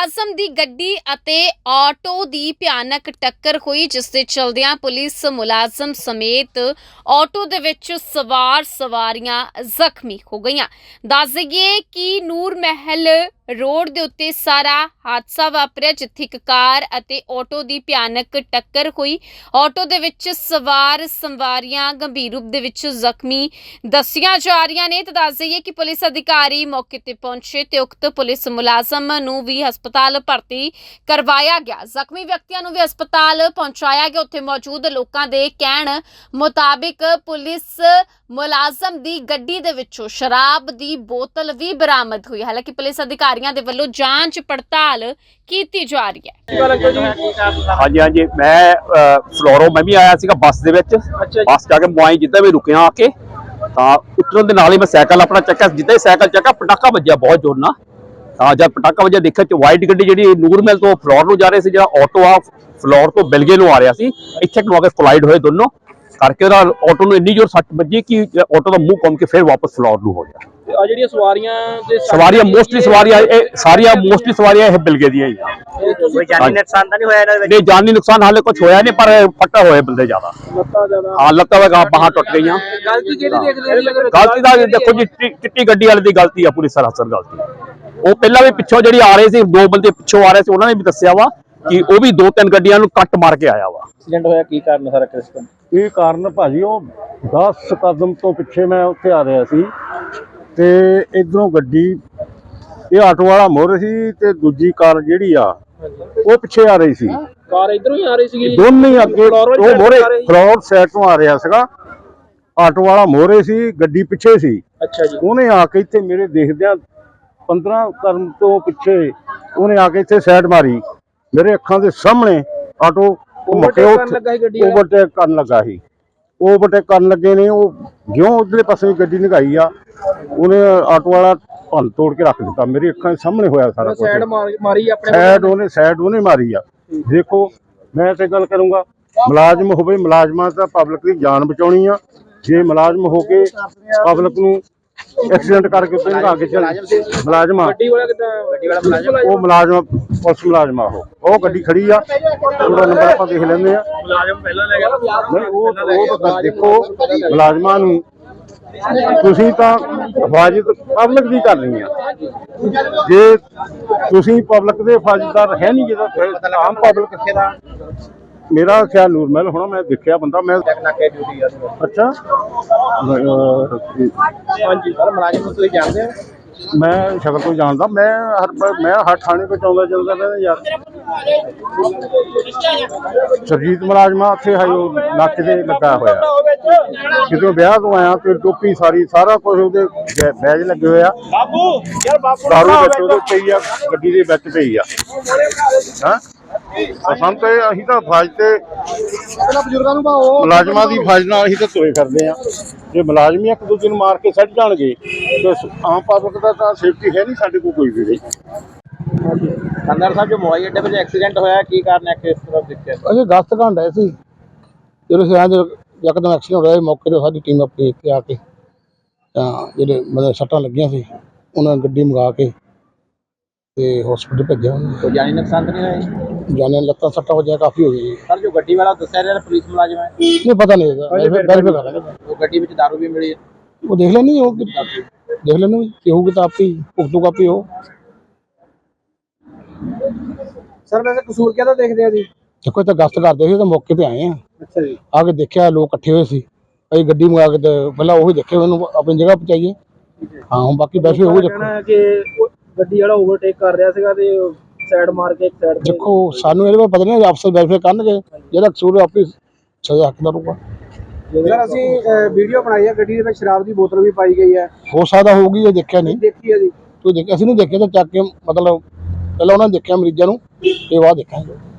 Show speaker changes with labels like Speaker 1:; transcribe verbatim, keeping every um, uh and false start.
Speaker 1: ਮੁਲਾਜ਼ਮ ਦੀ ਗੱਡੀ ਅਤੇ ਆਟੋ ਦੀ ਭਿਆਨਕ ਟੱਕਰ ਹੋਈ, ਜਿਸ ਦੇ ਚਲਦਿਆਂ ਪੁਲਿਸ ਮੁਲਾਜ਼ਮ ਸਮੇਤ ਆਟੋ ਦੇ ਵਿੱਚ ਸਵਾਰ ਸਵਾਰੀਆਂ ਜ਼ਖਮੀ ਹੋ ਗਈਆਂ। ਦੱਸ ਦਈਏ ਕਿ ਨੂਰ महल रोड ਦੇ ਉੱਤੇ ਸਾਰਾ ਹਾਦਸਾ ਵਾਪਰਿਆ, ਜਿੱਥੇ ਇੱਕ ਕਾਰ ਅਤੇ ਆਟੋ ਦੀ ਭਿਆਨਕ ਟੱਕਰ ਹੋਈ। ਆਟੋ ਦੇ ਵਿੱਚ ਸਵਾਰ ਸਵਾਰੀਆਂ ਗੰਭੀਰ ਰੂਪ ਦੇ ਵਿੱਚ ਜ਼ਖਮੀ ਦੱਸੀਆਂ ਜਾ ਰਹੀਆਂ ਨੇ। ਤਾਂ ਦੱਸ ਦਈਏ ਕਿ ਪੁਲਿਸ ਅਧਿਕਾਰੀ ਮੌਕੇ ਤੇ ਪਹੁੰਚੇ ਤੇ ਉਕਤ ਪੁਲਿਸ ਮੁਲਾਜ਼ਮ ਨੂੰ ਵੀ ਹਸਪਤਾਲ ਭਰਤੀ ਕਰਵਾਇਆ ਗਿਆ। ਜ਼ਖਮੀ ਵਿਅਕਤੀਆਂ ਨੂੰ ਵੀ ਹਸਪਤਾਲ ਪਹੁੰਚਾਇਆ ਗਿਆ। ਉੱਥੇ ਮੌਜੂਦ ਲੋਕਾਂ ਦੇ ਕਹਿਣ ਮੁਤਾबिक ਪੁਲਿਸ ਮੁਲਾਜ਼ਮ ਦੀ ਗੱਡੀ ਦੇ ਵਿੱਚੋਂ ਸ਼ਰਾਬ ਦੀ ਬੋਤਲ ਵੀ ਬਰਾਮਦ ਹੋਈ। ਹਾਲਾਂਕਿ ਪੁਲਿਸ ਅਧਿਕਾਰੀਆਂ ਦੇ ਵੱਲੋਂ ਜਾਂਚ ਪੜਤਾਲ ਕੀਤੀ ਜਾ ਰਹੀ ਹੈ।
Speaker 2: ਹਾਂਜੀ ਹਾਂਜੀ ਮੈਂ ਫਲੋਰੋ ਮੈਂ ਵੀ ਆਇਆ ਸੀਗਾ ਬੱਸ ਦੇ ਵਿੱਚ। ਬੱਸ ਜਾ ਕੇ ਮੁਆਈ ਜਿੱਦਾਂ ਵੀ ਰੁਕਿਆ ਆ ਕੇ ਤਾਂ ਉਤਰਨ ਦੇ ਨਾਲ ਹੀ ਮੈਂ ਸਾਈਕਲ ਆਪਣਾ ਚੱਕਿਆ। ਜਿੱਦਾਂ ਹੀ ਸਾਈਕਲ ਚੱਕਿਆ ਪਟਾਕਾ ਵੱਜਿਆ ਬਹੁਤ ਜ਼ੋਰ ਨਾਲ। ਤਾਂ ਜਦ ਪਟਾਕਾ ਵੱਜਿਆ ਦੇਖਿਆ ਚ ਵਾਈਟ ਗੱਡੀ ਜਿਹੜੀ ਨੂਰ महल ਤੋਂ ਫਲੋਰ ਨੂੰ ਜਾ ਰਹੇ ਸੀ, ਜਿਹੜਾ ਆਟੋ ਆ ਫਲੋਰ ਤੋਂ ਬਿਲਗੇ ਨੂੰ ਆ ਰਿਹਾ ਸੀ, ਇੱਥੇ ਨੂੰ ਆ ਕੇ ਕੋਲਾਈਡ ਹੋਏ ਦੋਨੋਂ ਕਰਕੇ। ਉਹਦਾ ਆਟੋ ਨੂੰ ਇੰਨੀ ਜ਼ੋਰ ਸੱਟ ਵੱਜੀ ਕਿ ਆਟੋ ਦਾ ਮੂੰਹ ਘੁੰਮ ਕੇ ਫਿਰ ਵਾਪਸ ਫਲੋਰ ਨੂੰ ਹੋ ਗਿਆ।
Speaker 3: ਆ ਜਿਹੜੀਆਂ ਸਵਾਰੀਆਂ ਦੇ
Speaker 2: ਸਵਾਰੀਆਂ ਮੋਸਟਲੀ ਸਵਾਰੀਆਂ ਇਹ ਸਾਰੀਆਂ ਮੋਸਟਲੀ ਸਵਾਰੀਆਂ ਇਹ ਬਿਲਗੇ ਦੀਆਂ ਹੀ ਆ।
Speaker 3: ਕੋਈ ਜਾਨੀ ਨੁਕਸਾਨ ਤਾਂ ਨਹੀਂ ਹੋਇਆ ਇਹਨਾਂ ਦੇ ਵਿੱਚ?
Speaker 2: ਨਹੀਂ, ਜਾਨੀ ਨੁਕਸਾਨ ਹਾਲੇ ਕੁਝ ਹੋਇਆ ਨਹੀਂ, ਪਰ ਫੱਟਾ ਹੋਏ ਬੰਦੇ ਜ਼ਿਆਦਾ।
Speaker 3: ਲੱਤਾਂ ਜ਼ਿਆਦਾ
Speaker 2: ਹਾਂ, ਲੱਤਾਂ ਵਗਾ ਬਾਹਾਂ ਟੁੱਟ ਗਈਆਂ।
Speaker 3: ਗਲਤੀ ਕਿਹਦੀ ਦੇਖਦੇ ਹੋ?
Speaker 2: ਗਲਤੀ ਦਾ ਦੇਖੋ ਜੀ, ਚਿੱਟੀ ਗੱਡੀ ਵਾਲੇ ਦੀ ਗਲਤੀ ਆ, ਪੂਰੀ ਸਰਾਸਰ ਗਲਤੀ। ਉਹ ਪਹਿਲਾਂ ਵੀ ਪਿੱਛੋਂ ਜਿਹੜੀ ਆ ਰਹੇ ਸੀ, ਦੋ ਬੰਦੇ ਪਿੱਛੋਂ ਆ ਰਹੇ ਸੀ, ਉਹਨਾਂ ਨੇ ਵੀ ਦੱਸਿਆ ਵਾ ਕਿ ਉਹ ਵੀ ਦੋ ਤਿੰਨ ਗੱਡੀਆਂ ਨੂੰ ਕੱਟ ਮਾਰ ਕੇ ਆਇਆ ਵਾ।
Speaker 3: ਐਕਸੀਡੈਂਟ ਹੋਇਆ ਕੀ ਕਾਰਨ ਸਾਰਾ ਕ੍ਰਿਸਟਨ?
Speaker 4: ਇਹ ਕਾਰਨ ਭਾਜੀ ਉਹ ਦਸ ਕਦਮ ਤੋਂ ਪਿੱਛੇ ਮੈਂ ਉੱਥੇ ਆ ਰਿਹਾ ਸੀ ਤੇ ਇਧਰੋਂ ਗੱਡੀ, ਇਹ ਆਟੋ ਵਾਲਾ ਮੋਰ ਸੀ ਤੇ ਦੂਜੀ ਕਾਰ ਜਿਹੜੀ ਆ ਉਹ ਪਿੱਛੇ ਆ ਰਹੀ ਸੀ।
Speaker 3: ਕਾਰ ਇਧਰੋਂ ਹੀ ਆ ਰਹੀ ਸੀਗੀ?
Speaker 4: ਦੋਨੇ ਹੀ ਅੱਗੇ, ਉਹ ਮੋਰੇ ਫਲੋਰ ਸਾਈਡ ਤੋਂ ਆ ਰਿਹਾ ਸੀਗਾ, ਆਟੋ ਵਾਲਾ ਮੋਰੇ ਸੀ, ਗੱਡੀ ਪਿੱਛੇ ਸੀ।
Speaker 3: ਅੱਛਾ ਜੀ।
Speaker 4: ਉਹਨੇ ਆ ਕੇ ਇੱਥੇ ਮੇਰੇ ਦੇਖਦਿਆਂ ਪੰਦਰਾਂ ਕਦਮ ਤੋਂ ਪਿੱਛੇ ਉਹਨੇ ਆ ਕੇ ਇੱਥੇ ਸਾਈਡ ਮਾਰੀ, ਮੇਰੇ ਅੱਖਾਂ ਦੇ ਸਾਹਮਣੇ ਆਟੋ
Speaker 3: ਓਵਰਟੇਕ ਕਰਨ ਲੱਗਾ ਸੀ ਗੱਡੀ?
Speaker 4: ਓਵਰਟੇਕ ਕਰਨ ਲੱਗਾ ਸੀ। ਓਵਰਟੇਕ ਕਰਨ ਲੱਗੇ ਨੇ, ਉਹ ਜਿਉਂ ਉਧਰਲੇ ਪਾਸੇ ਗੱਡੀ ਨਿਗਾਈ ਆ, ਉਹਨੇ ਆਟੋ ਵਾਲਾ ਭੰਨ ਤੋੜ ਕੇ ਰੱਖ ਦਿੱਤਾ। ਮੇਰੀ ਅੱਖਾਂ ਦੇ ਸਾਹਮਣੇ ਹੋਇਆ ਸਾਰਾ ਕੁਝ।
Speaker 3: ਸਾਈਡ ਮਾਰੀ ਆਪਣੇ
Speaker 4: ਸਾਈਡ ਉਹਨੇ ਸਾਈਡ ਉਹਨੇ ਮਾਰੀ ਆ। ਦੇਖੋ, ਮੈਂ ਤੇ ਗੱਲ ਕਰੂੰਗਾ, ਮੁਲਾਜ਼ਮ ਹੋਵੇ, ਮੁਲਾਜ਼ਮਾਂ ਤਾਂ ਪਬਲਿਕ ਦੀ ਜਾਨ ਬਚਾਉਣੀ ਆ। ਜੇ ਮੁਲਾਜ਼ਮ ਹੋ ਕੇ ਪਬਲਿਕ ਨੂੰ ਐਕਸੀਡੈਂਟ ਕਰਕੇ ਉੱਤੇ ਨਿਕਾ ਕੇ ਚੱਲ ਮੁਲਾਜ਼ਮ ਆ,
Speaker 3: ਗੱਡੀ ਵਾਲਾ ਕਿੱਦਾਂ? ਗੱਡੀ ਵਾਲਾ ਮੁਲਾਜ਼ਮ?
Speaker 4: ਉਹ ਮੁਲਾਜ਼ਮ ਪੁਲਿਸ ਮੁਲਾਜ਼ਮ ਆ। ਉਹ ਉਹ ਗੱਡੀ ਖੜੀ ਆ, ਉਹਦਾ ਨੰਬਰ ਆਪਾਂ ਦੇਖ ਲੈਂਦੇ ਆ।
Speaker 3: ਮੁਲਾਜ਼ਮ ਪਹਿਲਾਂ ਲੈ ਗਿਆ?
Speaker 4: ਨਹੀਂ, ਉਹ ਉਹ ਤਾਂ ਦੇਖੋ, ਮੁਲਾਜ਼ਮਾਂ ਨੂੰ ਤੁਸੀਂ ਤਾਂ ਹਿਫਾਜ਼ਤ ਪਬਲਿਕ ਦੀ ਕਰਨੀ ਆ। ਜੇ ਤੁਸੀਂ ਪਬਲਿਕ ਦੇ ਹਿਫਾਜ਼ਤਦਾਰ ਹੈ ਨਹੀਂ, ਜਿਹਦਾ ਆਮ ਪਬਲਿਕ ਕਿੱਥੇ ਦਾ? ਮੇਰਾ ਖਿਆਲ ਨੂਰ महल ਹੋਣਾ, ਮੈਂ ਦੇਖਿਆ ਬੰਦਾ। ਮੈਂ ਅੱਛਾ,
Speaker 3: ਹਾਂਜੀ ਸਰ, ਮੁਲਾਜ਼ਮ ਨੂੰ ਤੁਸੀਂ ਜਾਣਦੇ ਹੋ?
Speaker 4: ਮੈਂ ਸ਼ਕਲ ਤੋਂ ਜਾਣਦਾ। ਮੈਂ ਹਰ ਮੈਂ ਹਰ ਥਾਣੇ ਤੋਂ ਆਉਂਦਾ ਜਾਂਦਾ ਰਹਿੰਦਾ ਯਾਰ। ਸਰਜੀਤ ਮੁਲਾਜ਼ਮਾ ਉੱਥੇ ਹੈ, ਉਹ ਨੱਕ ਦੇ ਲੱਗਾ ਹੋਇਆ। ਕਿਤੇ ਵਿਆਹ ਤੋਂ ਆਇਆ ਤੇ ਟੋਪੀ ਸਾਰੀ ਸਾਰਾ ਕੁਝ ਉਹਦੇ ਬੈਜ ਲੱਗੇ ਹੋਇਆ। ਦਾਰੂ ਵਿੱਚ ਉਹਦੇ ਪਈ ਆ, ਗੱਡੀ ਦੇ ਵਿੱਚ ਪਈ ਆ। ਹਾਂ, ਸਾਨੂੰ ਤਾਂ ਅਸੀਂ ਤਾਂ ਫੌਜ ਤੇ ਬਜ਼ੁਰਗਾਂ ਨੂੰ ਮੁਲਾਜ਼ਮਾਂ ਦੀ ਫੌਜ ਨਾਲ ਅਸੀਂ ਤਾਂ ਤੋਏ ਕਰਦੇ ਆ। ਜੇ ਮੁਲਾਜ਼ਮ ਇੱਕ ਦੂਜੇ ਨੂੰ ਮਾਰ ਕੇ ਸੱਟ ਜਾਣਗੇ ਤੇ ਆਮ ਪਬਲਿਕ ਦਾ ਤਾਂ ਸੇਫਟੀ ਹੈ ਨਹੀਂ ਸਾਡੇ ਕੋਲ ਕੋਈ ਵੀ।
Speaker 3: ਅੰਦਰ ਸਾਹਿਬ, ਜੋ ਮੋਹਾਲੀ ਅੱਡੇ ਵਿੱਚ ਐਕਸੀਡੈਂਟ ਹੋਇਆ, ਕੀ ਕਾਰਨ ਹੈ? ਕਿਸ ਤਰ੍ਹਾਂ ਦੇਖਿਆ?
Speaker 4: ਅਸੀਂ ਗਸਤ ਘੰਟ ਆਏ ਸੀ, ਜਦੋਂ ਸਿਆਂ ਯਕਦਮ ਐਕਸੀਡੈਂਟ ਹੋਇਆ। ਮੌਕੇ ਤੇ ਸਾਡੀ ਟੀਮ ਆਪਣੀ ਇੱਥੇ ਆ ਕੇ ਤਾਂ ਜਿਹੜੇ ਮਤਲਬ ਸੱਟਾਂ ਲੱਗੀਆਂ ਸੀ, ਉਹਨਾਂ ਨੇ ਗੱਡੀ ਮੰਗਾ ਕੇ ਤੇ ਹਸਪੀਟਲ ਭੇਜਿਆ।
Speaker 3: ਕੋਈ ਜਾਨੀ ਨੁਕਸਾਨ ਤਾਂ ਨਹੀਂ ਹੋਇਆ?
Speaker 4: ਜਾਨੇ ਲੱਤਾਂ ਸੱਟਾਂ ਵਜਿਆ ਕਾਫੀ ਹੋ ਗਈ।
Speaker 3: ਸਰ, ਜੋ ਗੱਡੀ ਵਾਲਾ ਦੱਸਿਆ ਰਿਹਾ ਪੁਲਿਸ ਮੁਲਾਜ਼ਮ ਹੈ?
Speaker 4: ਨਹੀਂ ਪਤਾ ਨਹੀਂ ਹੈਗਾ, ਵੈਰੀਫਾਈ ਕਰ ਲਾਂਗੇ।
Speaker 3: ਉਹ ਗੱਡੀ ਵਿੱਚ ਦਾਰੂ ਵੀ ਮਿਲੀ?
Speaker 4: ਉਹ ਦੇਖ ਲੈਣੀ, ਉਹ ਦੇਖ ਲੈਣੀ ਕਿ ਹੋਊਗੀ ਤਾਂ ਆਪੀ ਭੁਗਤੂਗਾ ਆਪੀ। ਉਹ
Speaker 3: ਸਰ, ਵੈਸੇ ਕਸੂਰ ਕਿਹਦਾ ਦੇਖਦੇ ਆ ਜੀ?
Speaker 4: ਦੇਖੋ, ਤਾਂ ਗਸ਼ਤ ਕਰਦੇ ਸੀ ਤਾਂ ਮੌਕੇ ਤੇ ਆਏ ਆ।
Speaker 3: ਅੱਛਾ ਜੀ।
Speaker 4: ਆ ਕੇ ਦੇਖਿਆ ਲੋਕ ਇਕੱਠੇ ਹੋਏ ਸੀ, ਅਸੀਂ ਗੱਡੀ ਮੰਗਾ ਕੇ ਤੇ ਪਹਿਲਾਂ ਉਹੀ ਦੇਖੇ, ਉਹਨੂੰ ਆਪਣੀ ਜਗ੍ਹਾ ਪਹੁੰਚਾਈਏ। ਹਾਂ, ਹੁਣ ਬਾਕੀ ਵੈਸੇ ਉਹ ਦੇਖੋ
Speaker 3: ਕਿ ਗੱਡੀ ਵਾਲਾ ਓਵਰਟੇਕ ਕਰ ਰਿਹਾ ਸੀਗਾ ਤੇ ਸਾਈਡ ਮਾਰ ਕੇ ਇੱਕ ਸਾਈਡ ਤੇ।
Speaker 4: ਦੇਖੋ, ਸਾਨੂੰ ਇਹਦੇ ਬਾਰੇ ਪਤਾ ਨਹੀਂ, ਅਫਸਰ ਵੈਰੀਫਾਈ ਕਰਨਗੇ, ਜਿਹੜਾ ਕਸੂਰ ਆਪਣੀ ਸਜ਼ਾ ਹੱਕਦਾਰ ਹੋਊਗਾ।
Speaker 3: ਸਰ, ਅਸੀਂ ਵੀਡੀਓ ਬਣਾਈ ਹੈ, ਗੱਡੀ ਦੇ ਵਿੱਚ ਸ਼ਰਾਬ ਦੀ ਬੋਤਲ ਵੀ ਪਾਈ ਗਈ ਹੈ।
Speaker 4: ਹੋ ਸਕਦਾ ਹੋਊਗੀ, ਇਹ ਦੇਖਿਆ ਨਹੀਂ।
Speaker 3: ਦੇਖੀ ਹੈ ਜੀ?
Speaker 4: ਕੋਈ ਦੇਖਿਆ ਅਸੀਂ ਨਹੀਂ ਦੇਖਿਆ, ਤਾਂ ਚੱਕ ਕੇ ਮਤਲਬ ਪਹਿਲਾਂ ਉਹਨਾਂ ਨੇ ਦੇਖਿਆ ਮਰੀਜ਼ਾਂ ਨੂੰ, ਤੇ ਬਾਅਦ ਦੇਖਾਂਗੇ।